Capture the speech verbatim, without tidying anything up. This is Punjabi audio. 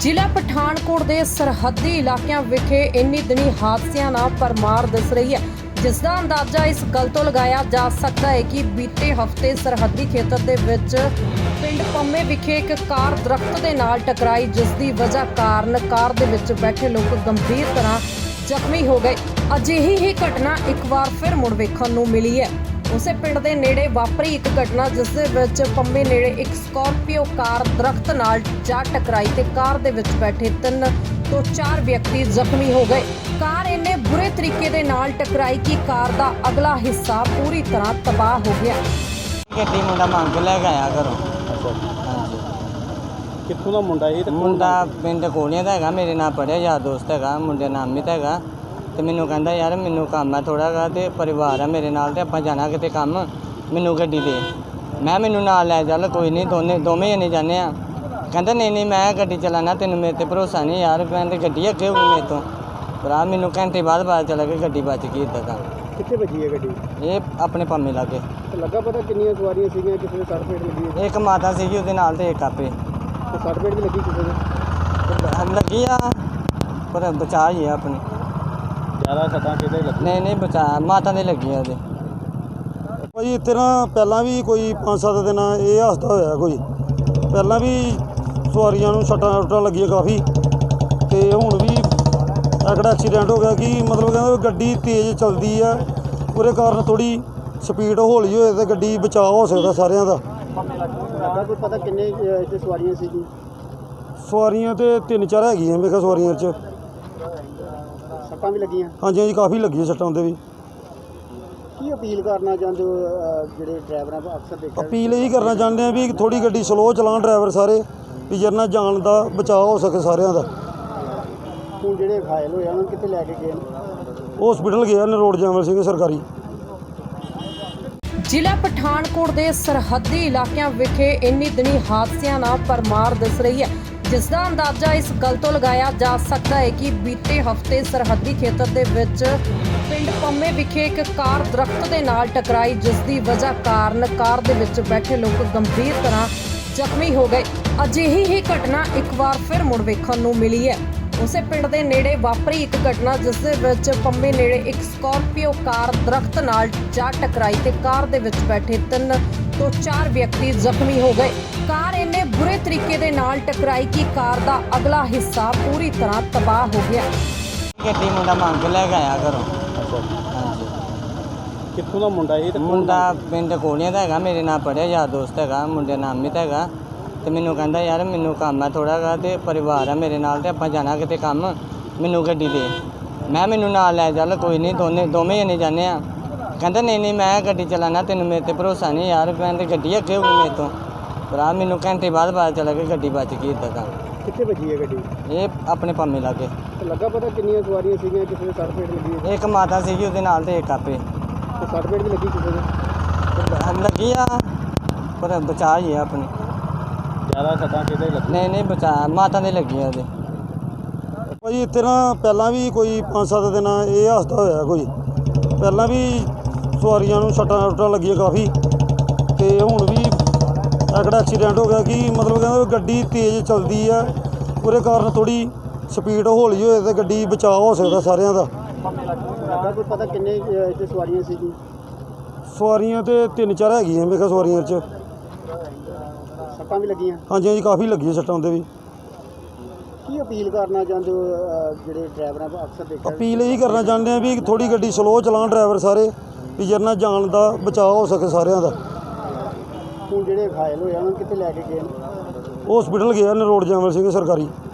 ਜ਼ਿਲ੍ਹਾ ਪਠਾਨਕੋਟ ਦੇ ਸਰਹੱਦੀ ਇਲਾਕਿਆਂ ਵਿਖੇ ਇੰਨੀ ਦਿਨੀ ਹਾਦਸਿਆਂ ਨਾਲ ਭਰਮਾਰ ਦਿਸ ਰਹੀ ਹੈ, ਜਿਸ ਦਾ ਅੰਦਾਜ਼ਾ ਇਸ ਗੱਲ ਤੋਂ ਲਗਾਇਆ ਜਾ ਸਕਦਾ ਹੈ ਕਿ ਬੀਤੇ ਹਫ਼ਤੇ ਸਰਹੱਦੀ ਖੇਤਰ ਦੇ ਵਿੱਚ ਪਿੰਡ ਪੰਮੇ ਵਿਖੇ ਇੱਕ ਕਾਰ ਦਰਖਤ ਦੇ ਨਾਲ ਟਕਰਾਈ, ਜਿਸ ਦੀ ਵਜ੍ਹਾ ਕਾਰਨ ਕਾਰ ਦੇ ਵਿੱਚ ਬੈਠੇ ਲੋਕ ਗੰਭੀਰ ਤਰ੍ਹਾਂ ਜ਼ਖਮੀ ਹੋ ਗਏ। ਅਜਿਹੀ ਹੀ ਘਟਨਾ ਇੱਕ ਵਾਰ ਫਿਰ ਮੁੜ ਵੇਖਣ ਨੂੰ ਮਿਲੀ ਹੈ। ਉਸੇ ਪਿੰਡ ਦੇ ਨੇੜੇ ਵਾਪਰੀ ਇੱਕ ਘਟਨਾ, ਜਿਸ ਦੇ ਵਿੱਚ ਪੰਮੇ ਨੇੜੇ ਇੱਕ ਸਕਾਰਪੀਓ ਕਾਰ ਦਰਖਤ ਨਾਲ ਜਾ ਟਕਰਾਈ ਤੇ ਕਾਰ ਦੇ ਵਿੱਚ ਬੈਠੇ ਤਿੰਨ ਤੋਂ ਚਾਰ ਵਿਅਕਤੀ ਜ਼ਖਮੀ ਹੋ ਗਏ। ਕਾਰ ਇੰਨੇ ਬੁਰੇ ਤਰੀਕੇ ਦੇ ਨਾਲ ਟਕਰਾਈ ਕਿ ਕਾਰ ਦਾ ਅਗਲਾ ਹਿੱਸਾ ਪੂਰੀ ਤਰ੍ਹਾਂ ਤਬਾਹ ਹੋ ਗਿਆ। ਗੱਡੀ ਮੁੰਡਾ ਮੰਗ ਲੈ ਕੇ ਆਇਆ ਘਰੋਂ। ਹਾਂਜੀ। ਕਿੱਥੋਂ ਦਾ ਮੁੰਡਾ ਇਹ? ਮੁੰਡਾ ਪਿੰਡ ਕੋਲੀਆਂ ਦਾ ਹੈਗਾ, ਮੇਰੇ ਨਾਲ ਪੜ੍ਹਿਆ ਯਾਰ ਦੋਸਤ ਹੈਗਾ, ਮੁੰਡੇ ਦਾ ਨਾਮ ਹੈਗਾ। ਤੇ ਮੈਨੂੰ ਕਹਿੰਦਾ ਯਾਰ ਮੈਨੂੰ ਕੰਮ ਹੈ ਥੋੜ੍ਹਾ ਜਿਹਾ ਅਤੇ ਪਰਿਵਾਰ ਹੈ ਮੇਰੇ ਨਾਲ, ਅਤੇ ਆਪਾਂ ਜਾਣਾ ਕਿਤੇ ਕੰਮ, ਮੈਨੂੰ ਗੱਡੀ ਦੇ। ਮੈਂ ਮੈਨੂੰ ਨਾਲ ਲੈ ਚੱਲ, ਕੋਈ ਨਹੀਂ, ਦੋਨੇ ਦੋਵੇਂ ਜਣੇ ਜਾਂਦੇ ਆ। ਕਹਿੰਦਾ ਨਹੀਂ ਨਹੀਂ ਮੈਂ ਗੱਡੀ ਚਲਾਉਣਾ, ਤੈਨੂੰ ਮੇਰੇ 'ਤੇ ਭਰੋਸਾ ਨਹੀਂ ਯਾਰ, ਮੈਂ ਤਾਂ ਗੱਡੀ ਅੱਗੇ ਹੋ ਗਈ ਮੇਰੇ ਤੋਂ। ਭਰਾ ਮੈਨੂੰ ਘੰਟੇ ਬਾਅਦ ਪਤਾ ਚੱਲਿਆ ਕਿ ਗੱਡੀ ਬਚ ਗਈ। ਇੱਦਾਂ ਦਾ ਕਿੱਥੇ ਵੱਜੀ ਹੈ ਗੱਡੀ? ਇਹ ਆਪਣੇ ਪੰਮੇ ਲਾਗੇ। ਤੇ ਲੱਗਾ ਪਤਾ ਕਿੰਨੀਆਂ ਸਵਾਰੀਆਂ ਸੀਗੀਆਂ? ਕਿਸੇ ਦੇ ਸੱਟ ਫੇਟ ਲੱਗੀ ਹੈ? ਇੱਕ ਮਾਤਾ ਸੀਗੀ ਉਹਦੇ ਨਾਲ ਅਤੇ ਇੱਕ ਆਪੇ। ਤੇ ਸੱਟ ਫੇਟ ਵੀ ਲੱਗੀ ਕਿਸੇ ਦੇ? ਲੱਗੀ ਆ ਪਰ ਬਚਾ ਹੀ ਆ ਆਪਣੀ। ਜ਼ਿਆਦਾ ਸੱਟਾਂ ਕਿਤੇ ਲੱਗੀ? ਨਹੀਂ ਨਹੀਂ ਬਚਾ, ਮਾਤਾ ਦੇ ਲੱਗੀ ਆ ਉਹਦੇ। ਭਾਜੀ ਇੱਥੇ ਨਾ ਪਹਿਲਾਂ ਵੀ ਕੋਈ ਪੰਜ ਸੱਤ ਦਿਨ ਇਹ ਹਾਦਸਾ ਹੋਇਆ, ਕੋਈ ਪਹਿਲਾਂ ਵੀ ਸਵਾਰੀਆਂ ਨੂੰ ਸੱਟਾਂ ਸੁੱਟਾਂ ਲੱਗੀਆਂ ਕਾਫੀ, ਅਤੇ ਹੁਣ ਵੀ ਐਕੜਾ ਐਕਸੀਡੈਂਟ ਹੋ ਗਿਆ ਕਿ ਮਤਲਬ ਕਹਿੰਦਾ ਗੱਡੀ ਤੇਜ਼ ਚੱਲਦੀ ਆ, ਉਹਦੇ ਕਾਰਨ ਥੋੜ੍ਹੀ ਸਪੀਡ ਹੌਲੀ ਹੋਏ ਤਾਂ ਗੱਡੀ ਬਚਾਅ ਹੋ ਸਕਦਾ ਸਾਰਿਆਂ ਦਾ। ਲੱਗਾ ਕੋਈ ਪਤਾ ਕਿੰਨੇ ਇੱਥੇ ਸਵਾਰੀਆਂ ਸੀਗੀਆਂ? ਸਵਾਰੀਆਂ ਤਾਂ ਤਿੰਨ ਚਾਰ ਹੈਗੀਆਂ ਮੇਰੇ ਖਿਆਲ ਸਵਾਰੀਆਂ 'ਚ। ਸੱਟਾਂ ਵੀ ਲੱਗੀਆਂ? ਹਾਂਜੀ ਹਾਂਜੀ ਕਾਫੀ ਲੱਗੀਆਂ ਸੱਟਾਂ ਉਹਦੇ ਵੀ। ਕੀ ਅਪੀਲ ਕਰਨਾ ਚਾਹੁੰਦੇ ਹੋ ਅਹ, ਜਿਹੜੇ ਡਰਾਈਵਰਾਂ ਦਾ ਅਕਸਰ ਦੇਖਿਆ? ਅਪੀਲ ਇਹੀ ਕਰਨਾ ਚਾਹੁੰਦੇ ਆ ਵੀ ਥੋੜ੍ਹੀ ਗੱਡੀ ਸਲੋਅ ਚਲਾਉਣ ਡਰਾਈਵਰ ਸਾਰੇ, ਵੀ ਜਿਹਦੇ ਨਾਲ ਜਾਨ ਦਾ ਬਚਾਅ ਹੋ ਸਕੇ ਸਾਰਿਆਂ ਦਾ। ਹੁਣ ਜਿਹੜੇ ਘਾਇਲ ਹੋਏ ਆ ਉਹਨਾਂ ਨੂੰ ਕਿੱਥੇ ਲੈ ਕੇ ਗਏ ਨੇ? ਹਸਪੀਟਲ ਗਿਆ ਨਰੋੜ ਜੈਮਲ ਸਿੰਘ ਸਰਕਾਰੀ। ਜ਼ਿਲ੍ਹਾ ਪਠਾਨਕੋਟ ਦੇ ਸਰਹੱਦੀ ਇਲਾਕਿਆਂ ਵਿਖੇ ਇੰਨੀ ਦਿਨੀ ਹਾਦਸਿਆਂ ਨਾਲ ਭਰਮਾਰ ਦਿਸ ਰਹੀ ਹੈ, ਜਿਸ ਦਾ ਅੰਦਾਜ਼ਾ ਇਸ ਗੱਲ ਤੋਂ ਲਗਾਇਆ ਜਾ ਸਕਦਾ ਹੈ ਕਿ ਬੀਤੇ ਹਫ਼ਤੇ ਸਰਹੱਦੀ ਖੇਤਰ ਦੇ ਵਿੱਚ ਪਿੰਡ ਪੰਮੇ ਵਿਖੇ ਇੱਕ ਕਾਰ ਦਰਖਤ ਦੇ ਨਾਲ ਟਕਰਾਈ, ਜਿਸ ਦੀ ਵਜ੍ਹਾ ਕਾਰਨ ਕਾਰ ਦੇ ਵਿੱਚ ਬੈਠੇ ਲੋਕ ਗੰਭੀਰ ਤਰ੍ਹਾਂ ਜ਼ਖਮੀ ਹੋ ਗਏ। ਅਜਿਹੀ ਹੀ ਘਟਨਾ ਇੱਕ ਵਾਰ ਫਿਰ ਮੁੜ ਵੇਖਣ ਨੂੰ ਮਿਲੀ ਹੈ। ਉਸੇ ਪਿੰਡ ਦੇ ਨੇੜੇ ਵਾਪਰੀ ਇੱਕ ਘਟਨਾ, ਜਿਸ ਦੇ ਵਿੱਚ ਪੰਮੇ ਨੇੜੇ ਇੱਕ ਸਕਾਰਪੀਓ ਕਾਰ ਦਰਖਤ ਨਾਲ ਜਾ ਟਕਰਾਈ ਤੇ ਕਾਰ ਦੇ ਵਿੱਚ ਬੈਠੇ ਤਿੰਨ ਤੋਂ ਚਾਰ ਵਿਅਕਤੀ ਜ਼ਖਮੀ ਹੋ ਗਏ। ਕਾਰ ਇੰਨੇ ਬੁਰੇ ਤਰੀਕੇ ਦੇ ਨਾਲ ਟਕਰਾਈ ਕਿ ਕਾਰ ਦਾ ਅਗਲਾ ਹਿੱਸਾ ਪੂਰੀ ਤਰ੍ਹਾਂ ਤਬਾਹ ਹੋ ਗਿਆ। ਗੱਡੀ ਮੁੰਡਾ ਮੰਗ ਲੈ ਕੇ ਆਇਆ ਘਰੋਂ। ਹਾਂਜੀ। ਕਿੱਥੋਂ ਦਾ ਮੁੰਡਾ ਇਹ? ਮੁੰਡਾ ਪਿੰਡ ਕੋਲੀਆਂ ਦਾ ਹੈਗਾ, ਮੇਰੇ ਨਾਲ ਪੜ੍ਹਿਆ ਯਾਰ ਦੋਸਤ ਹੈਗਾ, ਮੁੰਡੇ ਦਾ ਨਾਮ ਹੈਗਾ। ਤੇ ਮੈਨੂੰ ਕਹਿੰਦਾ ਯਾਰ ਮੈਨੂੰ ਕੰਮ ਹੈ ਥੋੜ੍ਹਾ ਜਿਹਾ ਅਤੇ ਪਰਿਵਾਰ ਹੈ ਮੇਰੇ ਨਾਲ, ਅਤੇ ਆਪਾਂ ਜਾਣਾ ਕਿਤੇ ਕੰਮ, ਮੈਨੂੰ ਗੱਡੀ ਦੇ। ਮੈਂ ਮੈਨੂੰ ਨਾਲ ਲੈ ਚੱਲ, ਕੋਈ ਨਹੀਂ, ਦੋਨੇ ਦੋਵੇਂ ਜਣੇ ਜਾਂਦੇ ਆ। ਕਹਿੰਦਾ ਨਹੀਂ ਨਹੀਂ ਮੈਂ ਗੱਡੀ ਚਲਾਉਣਾ, ਤੈਨੂੰ ਮੇਰੇ 'ਤੇ ਭਰੋਸਾ ਨਹੀਂ ਯਾਰ, ਮੈਂ ਤਾਂ ਗੱਡੀ ਅੱਗੇ ਹੋ ਗਈ ਮੇਰੇ ਤੋਂ। ਭਰਾ ਮੈਨੂੰ ਘੰਟੇ ਬਾਅਦ ਪਤਾ ਚੱਲਿਆ ਕਿ ਗੱਡੀ ਬਚ ਗਈ। ਇੱਦਾਂ ਦਾ ਕਿੱਥੇ ਵੱਜੀ ਹੈ ਗੱਡੀ? ਇਹ ਆਪਣੇ ਪੰਮੇ ਲਾਗੇ। ਤੇ ਲੱਗਾ ਪਤਾ ਕਿੰਨੀਆਂ ਸਵਾਰੀਆਂ ਸੀਗੀਆਂ? ਕਿਸੇ ਦੇ ਸੱਟ ਫੇਟ ਲੱਗੀ ਹੈ? ਇੱਕ ਮਾਤਾ ਸੀਗੀ ਉਹਦੇ ਨਾਲ ਅਤੇ ਇੱਕ ਆਪੇ। ਤੇ ਸੱਟ ਫੇਟ ਵੀ ਲੱਗੀ ਕਿਸੇ ਦੇ? ਲੱਗੀ ਆ ਪਰ ਬਚਾ ਹੀ ਆ ਆਪਣੀ। ਜ਼ਿਆਦਾ ਸੱਟਾਂ ਕਿਤੇ ਲੱਗੀ? ਨਹੀਂ ਨਹੀਂ ਬਚਾ, ਮਾਤਾ ਦੇ ਲੱਗੀ ਆ ਉਹਦੇ। ਭਾਜੀ ਇੱਥੇ ਨਾ ਪਹਿਲਾਂ ਵੀ ਕੋਈ ਪੰਜ ਸੱਤ ਦਿਨ ਇਹ ਹਾਦਸਾ ਹੋਇਆ, ਕੋਈ ਪਹਿਲਾਂ ਵੀ ਸਵਾਰੀਆਂ ਨੂੰ ਸੱਟਾਂ ਸੁੱਟਾਂ ਲੱਗੀਆਂ ਕਾਫੀ, ਅਤੇ ਹੁਣ ਵੀ ਐਕੜਾ ਐਕਸੀਡੈਂਟ ਹੋ ਗਿਆ ਕਿ ਮਤਲਬ ਕਹਿੰਦਾ ਗੱਡੀ ਤੇਜ਼ ਚੱਲਦੀ ਆ, ਉਹਦੇ ਕਾਰਨ ਥੋੜ੍ਹੀ ਸਪੀਡ ਹੌਲੀ ਹੋਏ ਤਾਂ ਗੱਡੀ ਬਚਾਅ ਹੋ ਸਕਦਾ ਸਾਰਿਆਂ ਦਾ। ਲੱਗਾ ਕੋਈ ਪਤਾ ਕਿੰਨੇ ਇੱਥੇ ਸਵਾਰੀਆਂ ਸੀਗੀਆਂ? ਸਵਾਰੀਆਂ ਤਾਂ ਤਿੰਨ ਚਾਰ ਹੈਗੀਆਂ ਮੇਰੇ ਖਿਆਲ ਸਵਾਰੀਆਂ 'ਚ। ਸੱਟਾਂ ਵੀ ਲੱਗੀਆਂ? ਹਾਂਜੀ ਹਾਂਜੀ ਕਾਫੀ ਲੱਗੀਆਂ ਸੱਟਾਂ ਉਹਦੇ ਵੀ। ਕੀ ਅਪੀਲ ਕਰਨਾ ਚਾਹੁੰਦੇ ਹੋ ਅਹ, ਜਿਹੜੇ ਡਰਾਈਵਰਾਂ ਦਾ ਅਕਸਰ ਦੇਖਿਆ? ਅਪੀਲ ਇਹੀ ਕਰਨਾ ਚਾਹੁੰਦੇ ਆ ਵੀ ਥੋੜ੍ਹੀ ਗੱਡੀ ਸਲੋਅ ਚਲਾਉਣ ਡਰਾਈਵਰ ਸਾਰੇ, ਵੀ ਜਿਹਦੇ ਨਾਲ ਜਾਨ ਦਾ ਬਚਾਅ ਹੋ ਸਕੇ ਸਾਰਿਆਂ ਦਾ। ਹੁਣ ਜਿਹੜੇ ਘਾਇਲ ਹੋਏ ਆ ਉਹਨਾਂ ਨੂੰ ਕਿੱਥੇ ਲੈ ਕੇ ਗਏ ਨੇ? ਹਸਪੀਟਲ ਗਿਆ ਨਰੋੜ ਜੈਮਲ ਸਿੰਘ ਸਰਕਾਰੀ।